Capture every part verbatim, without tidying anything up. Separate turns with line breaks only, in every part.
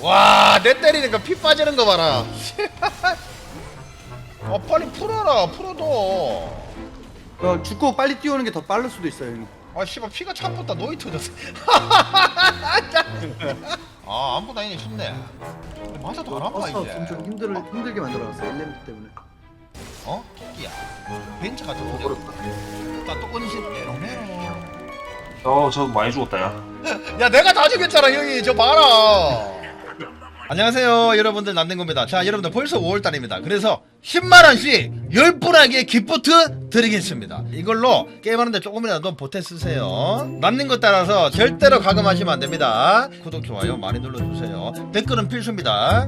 와, 내 때리니까 피 빠지는 거 봐라. 아, 빨리 풀어라. 풀어도.
어, 죽고 빨리 뛰어오는 게 더 빠를 수도 있어요, 형님.
아, 씨발 피가 차붙다. 노이 터졌어. 아, 아무도 아니네 쉽네. 맞아도 안 아파
버스
이제.
없으면 좀 힘들 힘들게 만들어놨어요, 일렘 때문에.
어? 토끼야. 벤처 같은 거. 나또 온신 메롱메롱.
어, 저 많이 죽었다, 야.
야, 내가 다 죽였잖아, 형이. 저 봐라. 안녕하세요, 여러분들. 남는겁니다. 자, 여러분들 벌써 오월달입니다. 그래서 십만 원씩 열 분에게 기프트 드리겠습니다. 이걸로 게임하는데 조금이라도 보태 쓰세요. 남는 것 따라서 절대로 가금하시면 안 됩니다. 구독, 좋아요 많이 눌러주세요. 댓글은 필수입니다.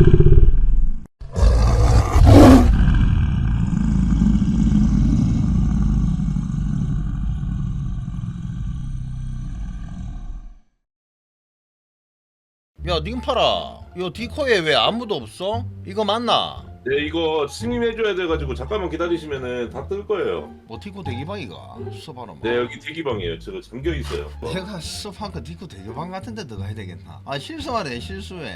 야, 님 팔아. 요 디코에 왜 아무도 없어? 이거 맞나?
네, 이거 승인해줘야 돼가지고 잠깐만 기다리시면은 다 뜰 거예요.
뭐 디코 대기방이가 써봐라.
네, 여기 대기방이에요. 저거 잠겨 있어요.
내가 습한 거 디코 대기방 같은데 들어가야 되겠나? 아, 실수하네, 실수해.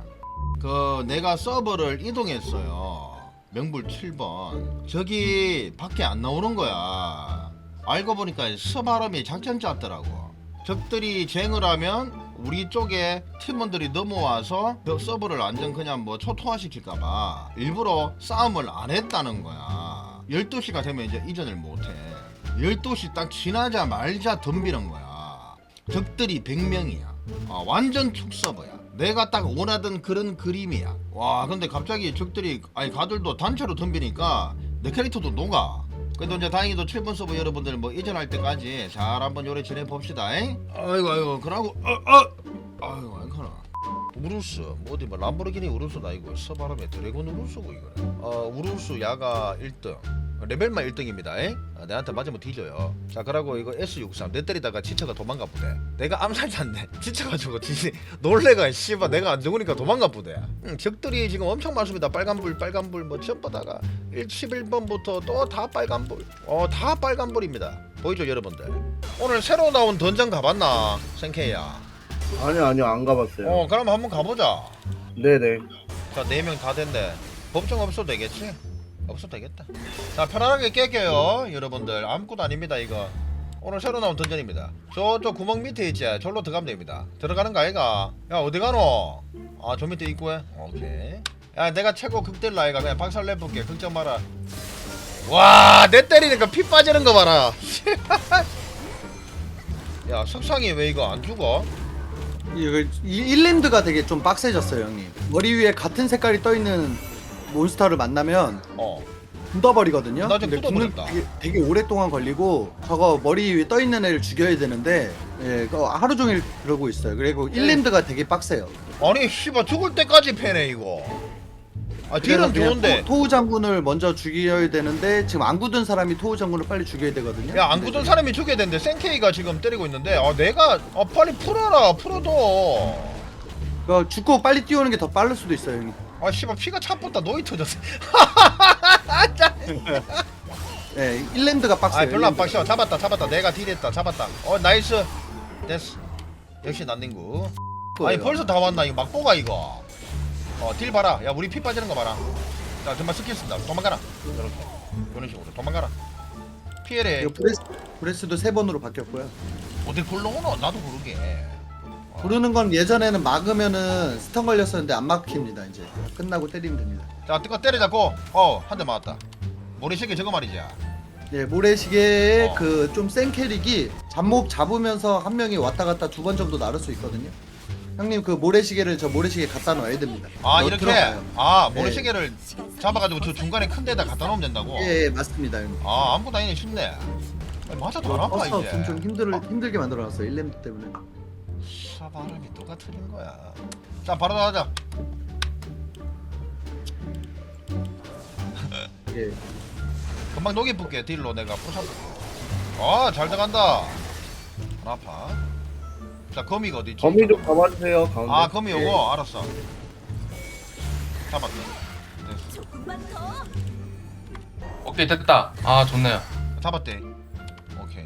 그 내가 서버를 이동했어요. 명불 칠 번. 저기 밖에 안 나오는 거야. 알고 보니까 서바람이 작전 짰더라고. 적들이 쟁을 하면 우리 쪽에 팀원들이 넘어와서 저 서버를 완전 그냥 뭐 초토화 시킬까봐 일부러 싸움을 안 했다는 거야. 열두 시가 되면 이제 이전을 못해. 열두 시 딱 지나자마자 덤비는 거야. 적들이 백 명이야. 아, 완전 축서버야. 내가 딱 원하던 그런 그림이야. 와, 근데 갑자기 적들이 아니 가들도 단체로 덤비니까 내 캐릭터도 녹아. 그래도 이제 다행히도 칠 번 서버 여러분들 뭐 이전할 때까지 잘 한번 요래 지내봅시다. 잉? 아이고 아이고 그러고 어, 어. 아이고 안카나 우루스 뭐 어디 뭐 람보르기니 우루스다 이거 서바람에 드래곤 우루스고 이거네. 어 우루스 야가 일 등 레벨만 일 등입니다. 잉? 아, 내한테 맞으면 뒤져요. 자 그러고 이거 에스 육십삼 내 때리다가 지쳐가 도망가 보대. 내가 암살자인데 지쳐가지고 지 놀래가 씨발 내가 안 죽으니까 도망가 보대. 응, 적들이 지금 엄청 많습니다. 빨간불 빨간불 뭐 전부다가 십일 번부터 또 다 빨간불. 어 다 빨간불입니다. 보이죠 여러분들? 오늘 새로 나온 던전 가봤나 생케이야?
아니요 아니요 안 가봤어요.
어 그럼 한번 가보자.
네네.
자 네 명 다 됐네. 법정 없어도 되겠지? 없어도 되겠다. 자 편안하게 깨껴요 여러분들. 아무것도 아닙니다 이거. 오늘 새로 나온 던전입니다. 저쪽 구멍 밑에 있지? 절로 들어가면 됩니다. 들어가는 거 아이가? 야 어디 가노? 아 저 밑에 입구에? 오케이. 야 내가 최고 극딜러 아이가. 그냥 박살 내볼게. 걱정 마라. 와 내 때리니까 피 빠지는 거 봐라. 야 석상이 왜 이거 안 죽어?
이거 이- 일랜드가 되게 좀 빡세졌어요, 형님. 머리 위에 같은 색깔이 떠 있는 몬스터를 만나면
어
굳어버리거든요.
나 지금
근데 굳는
굳어버렸다.
되게, 되게 오랫동안 걸리고 저거 머리 위에 떠 있는 애를 죽여야 되는데 예, 그거 하루 종일 그러고 있어요. 그리고 일랜드가 되게 빡세요.
아니 씨발 죽을 때까지 패네 이거. 아
그래서
딜은
그냥
좋은데.
토, 토우 장군을 먼저 죽여야 되는데 지금 안 굳은 사람이 토우 장군을 빨리 죽여야 되거든요.
야 안
근데
굳은 사람이 죽여야 되는데 센케이가 지금 때리고 있는데 아 내가 아 빨리 풀어라 풀어도.
그거 죽고 빨리 뛰어오는 게 더 빠를 수도 있어요, 형님.
아 씨발 피가 차붙다 노이 터졌어.
예, 일랜드가 빡세요.
아 별로 안
일랜드가.
빡셔. 잡았다 잡았다 내가 딜했다 잡았다. 어 나이스 됐어. 역시 난닝구. 아니 벌써 다 왔나 이거 막보가 이거. 어 딜 봐라. 야 우리 피 빠지는 거 봐라. 자 정말 스킬 쓴다. 도망가라. 이렇게 이런 식으로 도망가라. 피해래.
이거 브레스, 브레스도 세 번으로 바뀌었고요.
어디 굴러오노? 나도 모르게.
부르는 건 예전에는 막으면은 스턴 걸렸었는데 안 막힙니다. 이제 끝나고 때리면 됩니다.
자 뜨거 때려잡고 어 한 대 맞았다. 모래시계 저거 말이지.
예, 모래시계의
어.
그 좀 센 캐릭이 잡목 잡으면서 한 명이 왔다 갔다 두 번 정도 나를 수 있거든요. 형님 그 모래시계를 저 모래시계 갖다 놔야 됩니다.
아
넣-
이렇게
들어가요.
아 모래시계를 잡아가지고 저 중간에 큰 데다 갖다 놓으면 된다고.
예, 예, 맞습니다. 형님.
아 아무것도 아니네 쉽네. 아니, 맞아도 안 아파
버스
이제.
없으면 좀 힘들 힘들게 만들어놨어요. 일렘 때문에.
사 발음이 누가 틀린 거야. 자 바로 나가자.
예.
금방 녹이 붙게 딜로 내가 부숴볼게. 아잘 들어간다. 안 아파. 자 거미가 어디 있지?
거미 좀 잡아주세요 가운데.
아 거미 요거
예.
알았어. 잡았네. 됐어.
오케이 됐다. 아 좋네요.
잡았대. 오케이.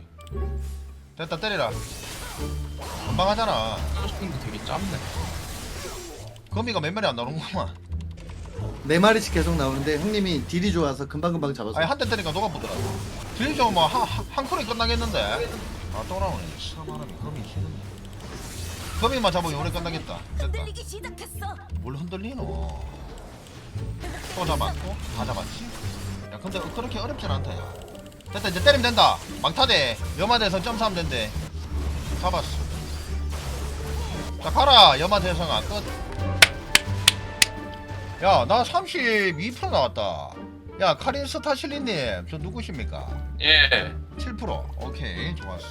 됐다 때리라. 금방 하잖아.
스킨도 되게 짧네.
거미가 몇 마리 안 나오는구만.
네 마리씩 계속 나오는데 형님이 딜이 좋아서 금방금방 잡았어.
아니 한 대 때리니까 녹아보더라. 딜좀 뭐한 콜에 끝나겠는데. 아 또 나오네. 사바람이 거미 치는데. 거미만 잡으면 오래 끝나겠다. 됐다.
흔들리기 시작했어.
뭘 흔들리노? 또 잡았고 다 잡았지? 야 근데 그렇게 어렵진 않다 야. 됐다 이제 때리면 된다. 막타대 염화대성 점수하면 된대. 잡았어. 자 가라 염화대성아 끝. 야 나 삼십이 퍼센트 나왔다. 야 카린 스타실리님 저 누구십니까?
예.
칠 퍼센트 오케이 좋았어.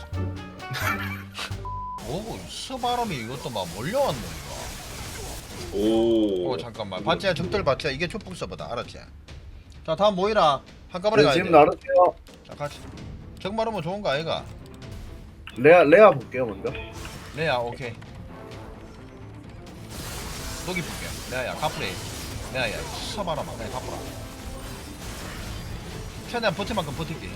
오 스바람이 이것도 막 몰려왔네 이거.
오.
어 잠깐만 봤지? 적들 봤지? 이게 축복 서버다 알았지? 자 다음 모이라 한꺼번에
네,
가야
지금
돼.
나르세요.
자 같이 적마르면 좋은 거 아이가?
레아 레아 볼게요 먼저.
레아 오케이. 녹이 볼게. 레아야 카프레이. 레아야 서바라마 그냥 카프라. 최대한 버틸 만큼 버틸게.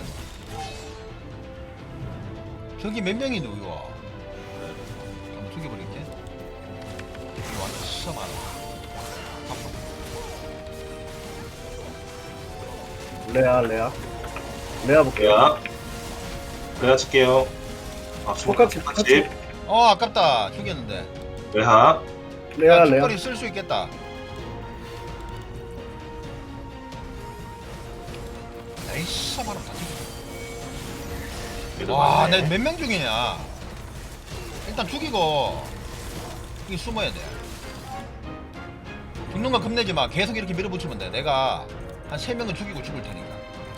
저기 몇 명이 누구야? 한번 죽여버릴게. 이거 완전 서바라. 카프라.
레아 레아. 레아 볼게요.
레아. 레아 칠게요. 아,
똑같이, 똑같이.
어 아깝다 죽였는데.
레아.
레아 레아.
깃거리 쓸 수 있겠다. 에이씨 바람 다 죽여. 와, 내 몇 명 중이냐? 일단 죽이고 여기 숨어야 돼. 죽는 건 겁내지 마. 계속 이렇게 밀어붙이면 돼. 내가 한 세 명은 죽이고 죽을 테니까.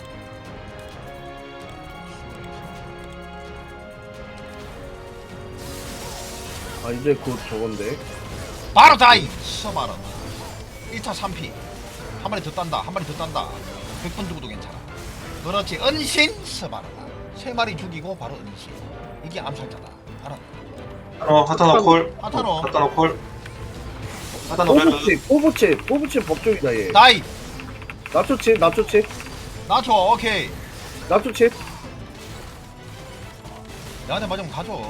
아 이제 곧 저건데.
바로 다이! 서바람 일 차 삼 피 한 마리 더 딴다. 한 마리 더 딴다. 백 번 죽어도 괜찮아. 그렇지. 은신 서바람 세 마리 죽이고 바로 은신. 이게 암살자다. 알았나?
어, 하타노 콜.
하타노.
하타노 콜. 하타노 레드.
뽀부치 뽀부치 뽀부치 법종이다 얘.
다이!
나초치 나초치
나줘. 오케이.
나초치.
나한테 맞으면 가져.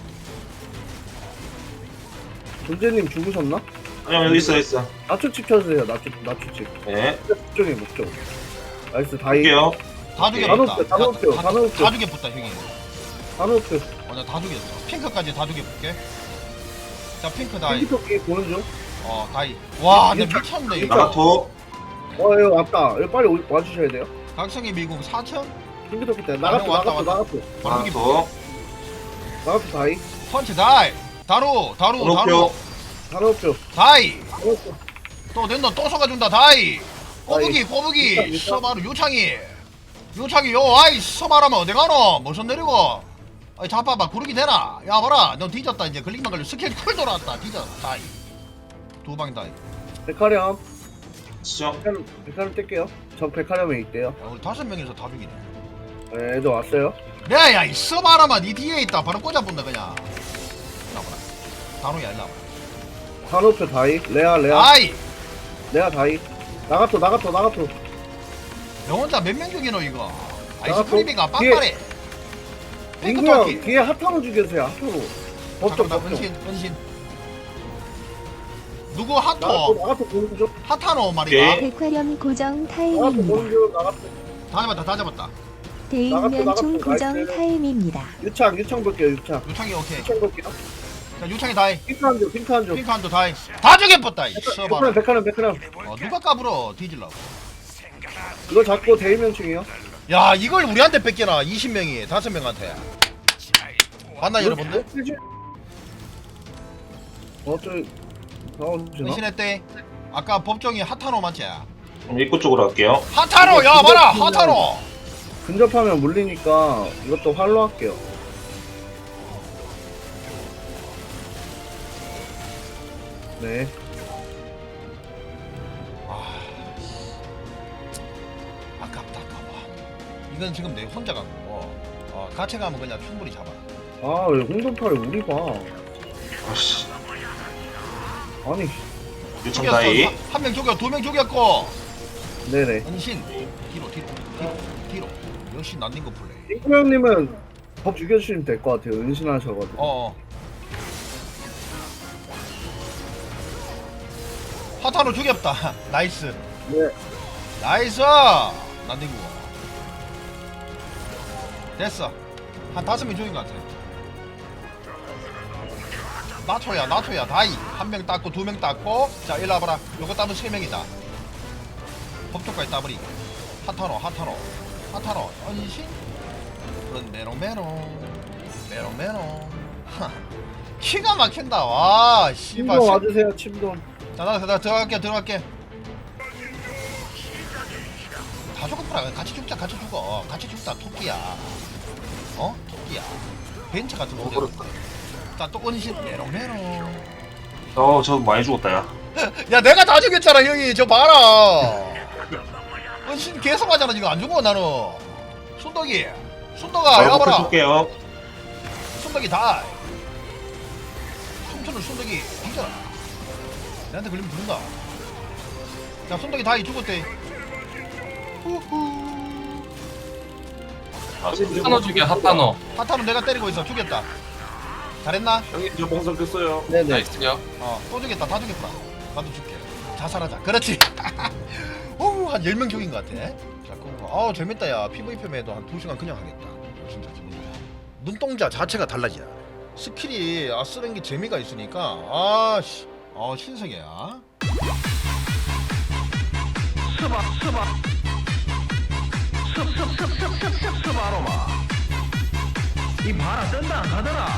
존재님 죽으셨나?
아니요, 여기 있어, 있어.
나초치 펴주세요. 나초 나초치.
네.
법종이 목적. 나이스 다이.
할게요.
다
다
죽였다.
넣었어요, 다 넣었어요, 다 넣었어요.
다 죽였다 형이.
하노트.
어, 나다 죽였어. 핑크까지 다 죽여볼게. 자, 핑크 다이.
핑크토끼 보는 중.
어, 다이. 와, 내
일단-
미쳤네
일단-
이거.
나가토.
어 여기 왔다. 여기 빨리 오- 와주셔야 돼요.
각성의 미국 사천.
핑크토끼 때
아,
나가토
왔다,
나가토
왔다.
나가토
바로 죽이.
나가토.
나가토 다이.
펀치 다이. 다루, 다루, 다루.
오로표.
하노트.
다이.
하노트.
또 낸너 또 속아준다. 다이. 꼬부기,
일단,
꼬부기.
일단.
서바루 요창이. 요창이 요 아이 서바라면 어디 가노? 무슨 내리고? 아이 잡아봐 구르기 되나? 야 봐라 너 뒤졌다 이제 걸리기만 걸려 스킬 쿨 돌아왔다 뒤졌다 다이. 두 방 다이.
백화렴.
시정.
백화렴 백화렴 뗄게요. 저 백화렴에 있대요.
야, 우리 다섯 명이서 다 죽이네.
네, 애들 왔어요.
야야 이 서바라마 니 뒤에 있다 바로 꽂아본다 그냥. 나와라. 단호야 일로 와봐.
하노트 다이. 레아 레아.
아이
레아 다이. 나가토 나가토 나가토.
너 혼자 몇 명 죽이노 이거.
나
아이스크림이가
또
빵빠레.
인구야 뒤에 핫타로 죽여주세요. 핫타로. 법정
잠깐만
법정.
은신 은신. 누구
나가토
핫토?
나가토 보는 중.
핫타노 말이야.
오케이.
백화렴 고정
나가토
타임입니다.
보는 중. 나가토.
다 잡았다 다 잡았다.
대인면 총
나가토,
고정
나이스.
타임입니다.
유창 유창 볼게요. 유창.
유창이 오케이.
유창 볼게요.
자 유창이 다이.
핑크 한 줄. 핑크 한 줄.
핑크 한도 다이. 다 죽여봤다 이
백화렴
서바라.
백화렴 백화렴.
어, 누가 까불어 뒤질라고.
이거 잡고 대의명칭이요.
야 이걸 우리한테 뺏겨나 이십 명이 다섯 명한테. 봤나 여러분들?
어저 나오시나?
은신했대. 아까 법정이 핫타노 맞지?
그럼 입구 쪽으로 갈게요.
핫타노 야 봐라 핫타노.
근접하면 물리니까 이것도 활로 할게요. 네.
아 아깝다 아까워. 이건 지금 내 혼자 간 거고. 어 같이 가면 그냥 충분히 잡아.
아 왜 홍돈팔을 우리 봐?
아씨.
아니.
유청
죽였어.
다이.
한 명 죽여 두 명 죽였고.
네네.
은신 뒤로 뒤로 뒤로 뒤로. 역시 난닝거 플레이.
잉크 형님은 법 죽여주시면 될 것 같아요. 은신하셔가지고.
어. 어. 하타노 죽였다. 나이스.
네.
나이스. 난디구. 됐어. 한 다섯 명 죽인 것 같아. 나초야 나초야 다이. 한 명 땄고 두 명 땄고. 자 일로 와봐라. 요거 따면 세 명이다. 법조까지 따버리고. 하타노 하타노 하타노 언신. 그런 메롱메롱 메롱메롱. 하. 키가 막힌다. 와 씨발.
침돔 와주세요 침돔.
자, 나, 나 들어갈게, 들어갈게. 다 죽어보라. 같이 죽자, 같이 죽어. 같이 죽자, 토끼야. 어? 토끼야. 벤처 같은 거.
어렵다.
자, 또 원신. 메롱메롱.
어, 저 많이 죽었다, 야.
야, 내가 다 죽였잖아, 형이. 저 봐라. 원신 계속 하잖아, 지금 안 죽어, 나는. 순덕이. 순덕아,
바로
야봐라.
쏠게요.
순덕이 다. 춤추는 순덕이. 진짜. 내한테 걸리면 죽는다. 자, 순덕이 다이 죽었대. 후후.
아,
하타노 죽여 하타노.
하타는 내가 때리고 있어. 죽였다. 잘했나?
형님 저 봉선 켰어요.
네네.
나이스요.
어, 또 죽였다. 다 죽였다. 나도 죽게. 자살하자. 그렇지. 오, 한 열 명 죽인 것 같아. 자, 그거. 아우, 재밌다, 야. 피브이피엠에도 한 두 시간 그냥 하겠다. 진짜 재밌다. 눈동자 자체가 달라지야. 스킬이, 아, 쓰는 게 재미가 있으니까. 아, 씨. 어, 신세계야. 스바, 스바. 습습습습습습습 아로마. 이 바라 뜬다 안 가더라.